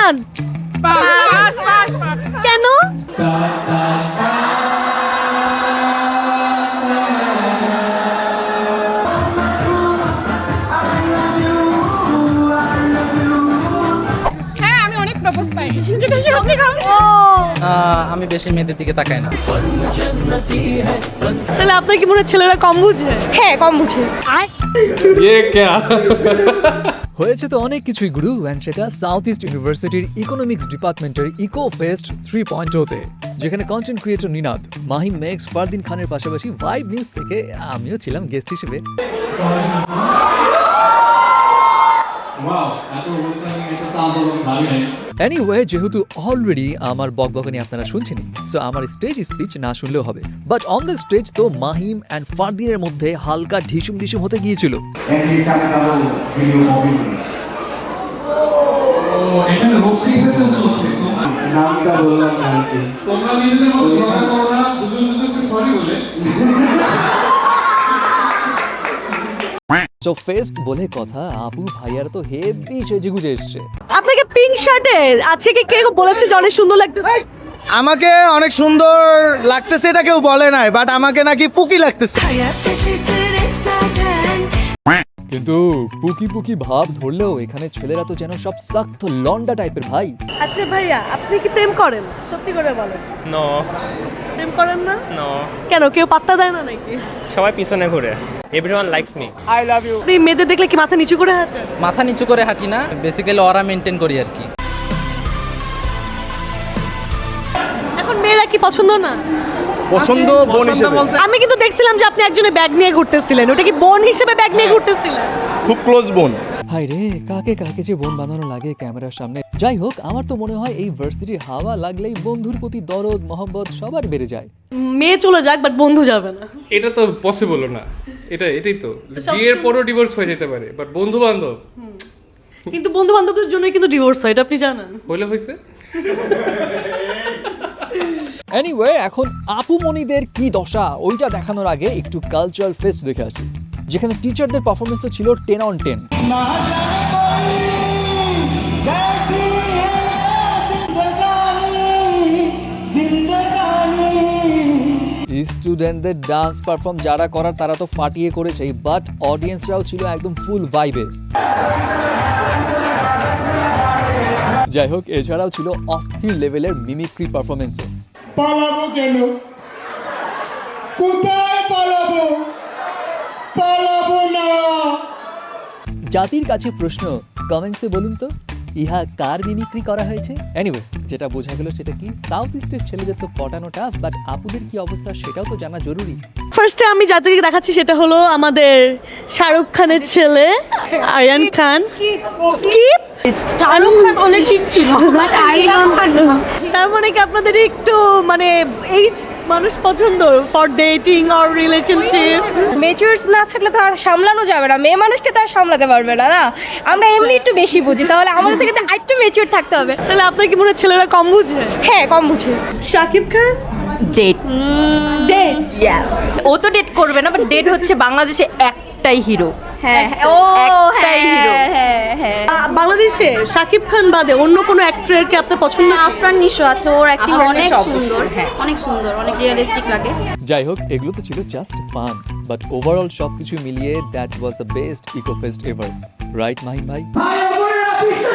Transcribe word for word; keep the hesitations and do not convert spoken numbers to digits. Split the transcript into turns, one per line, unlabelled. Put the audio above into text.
খান কেন?
হ্যাঁ আমি অনেক প্রপোজ পাই।
আমি বেশি মেয়েদের দিকে তাকাই না।
তাহলে আপনার কি মনে হয় ছেলেরা কম বুঝে?
হ্যাঁ কম বুঝে।
হয়েছে তো অনেক কিছুই গুরু, অ্যান্ড সেটা সাউথ ইস্ট ইউনিভার্সিটির ইকোনমিক্স ডিপার্টমেন্টের ইকো ফেস্ট থ্রি পয়েন্ট ওতে, যেখানে কন্টেন্ট ক্রিয়েটর নিনাদ, মাহিম মেক্স, ফারদিন খানের পাশাপাশি ভাইব নিউজ থেকে আমিও ছিলাম গেস্ট হিসেবে। এনিওয়ে, যেহেতু অলরেডি আমার বকবকানি আপনারা শুনছেন, সো আমার স্টেজ স্পিচ না শুনলেও হবে। বাট অন দ্য স্টেজ তো মাহিম অ্যান্ড ফারদিনের মধ্যে হালকা ঢিসুম ঢিসুম হতে গিয়েছিল। সো ফেস্ট বলে কথা, আপু ভাইয়ার তো হেভি সেজে গুজে এসছে।
আপনাকে পিঙ্ক শার্টে আছে কি কেউ বলেছে যে অনেক সুন্দর লাগতেছে?
আমাকে অনেক সুন্দর লাগতেছে এটা কেউ বলে নাই, বাট আমাকে নাকি পুকি লাগতেছে।
কিন্তু পুকি পুকি ভাব ধরলেও এখানে ছেলেরা তো যেন সব সখ্ত লন্ডা টাইপের ভাই।
আচ্ছা ভাইয়া, আপনি কি প্রেম করেন? সত্যি করে বলেন।
নো
প্রেম করেন না?
নো
কেন, কেউ পাত্তা দেয় না নাকি?
সবাই পিছনে ঘুরে। Everyone likes me, I love you.
আপনি মেয়েদের দেখলে কি মাথা নিচু করে হাঁটেন?
মাথা নিচু করে হাঁটি না, বেসিক্যালি অরা মেনটেন করি আর কি।
এখন মেয়েরা কি পছন্দ না?
পছন্দ বোন হিসেবে,
আমি কিন্তু দেখছিলাম যে আপনি একজনের ব্যাগ নিয়ে ঘুরতেছিলেন, ওটা কি বোন হিসেবে ব্যাগ নিয়ে ঘুরতেছিলেন?
খুব ক্লোজ বোন।
হাই রে, কাকে কাকে যে বোন বানানো লাগে ক্যামেরার সামনে। যাই হোক, আমার তো মনে হয় এই ভার্সিটির হাওয়া লাগলেই বন্ধুর প্রতি দরদ মহব্বত সবার বেড়ে যায়।
মেয়ে চলে যাক, বাট বন্ধু যাবে না।
এটা তো পসিবল না। এটা এটাই তো, বিয়ের পরও ডিভোর্স হয়ে যেতে পারে, বাট বন্ধু বান্ধব
কিন্তু বন্ধু বান্ধবদের জন্যই কিন্তু ডিভোর্স হয়, এটা আপনি জানেন?
হলে হয়েছে।
এনিওয়ে, এখন আপু মনিদের কি দশা ওইটা দেখানোর আগে একটু কালচারাল ফেস্ট দেখে আসি, যেখানে টিচারদের পারফরমেন্স তো ছিল টেন অন টেন। স্টুডেন্টদের ডান্স পারফর্ম যারা করার তারা তো ফাটিয়ে করেছে, বাট অডিয়েন্সরাও ছিল একদম ফুল ভাইবে। যাই হোক, এছাড়াও ছিল অস্থির লেভেলের মিমিক্রি পারফরমেন্সও।
পালাবো কেন? কোথায় পালাবো? পালাবো না।
জাতির কাছে প্রশ্ন, কমেন্টসে বলুন তো ইহা কার মিমিক্রি করা হয়েছে? এনিওয়ে, যেটা বোঝা গেল সেটা কি, সাউথ ইস্টের ছেলেদের তো পটানোটা, বাট আপুদের কি অবস্থা সেটাও তো জানা জরুরি।
ফার্স্টে আমি যাদেরকে দেখাচ্ছি সেটা হলো আমাদের শাহরুখ খানের ছেলে আরিয়ান খান। স্কিপ শাহরুখ খান অনেক ঠিক ছিল, বাট আরিয়ান খান। তার মানে কি আপনাদের একটু মানে এইজ মানুষ পছন্দ for dating or relationship?
Mature না থাকলে তো আর সামলানো যাবে না, মেয়ে মানুষকে তো আর সামলাতে পারবে না। না আমরা এমনি একটু বেশি বুঝি, তাহলে আমাদের থেকে তো আরেকটু মেচুর থাকতে হবে।
তাহলে আপনার কি মনে হয় ছেলেরা কম বুঝে?
হ্যাঁ কম বুঝে।
Shakib Khan
date
date
yes, ও তো ডেট করবে না, বাট ডেট হচ্ছে বাংলাদেশে একটাই হিরো।
হ্যাঁ ও
একটাই হিরো।
হ্যাঁ হ্যাঁ।
বাংলাদেশে শাকিব খান বাদে অন্য কোনো অ্যাক্টরের কি আপনার পছন্দ?
আফরান নিশো আছে, ওর অ্যাক্টিং
আফরান
অনেক
নিশো অবশ্যই,
সুন্দর,
হ্যাঁ।
অনেক সুন্দর, অনেক রিয়েলিস্টিক লাগে।
যাই হোক, এগুলো তো ছিল জাস্ট ফান, বাট ওভারঅল সব কিছু মিলিয়ে that was the best eco fest ever, right Mahim ভাই?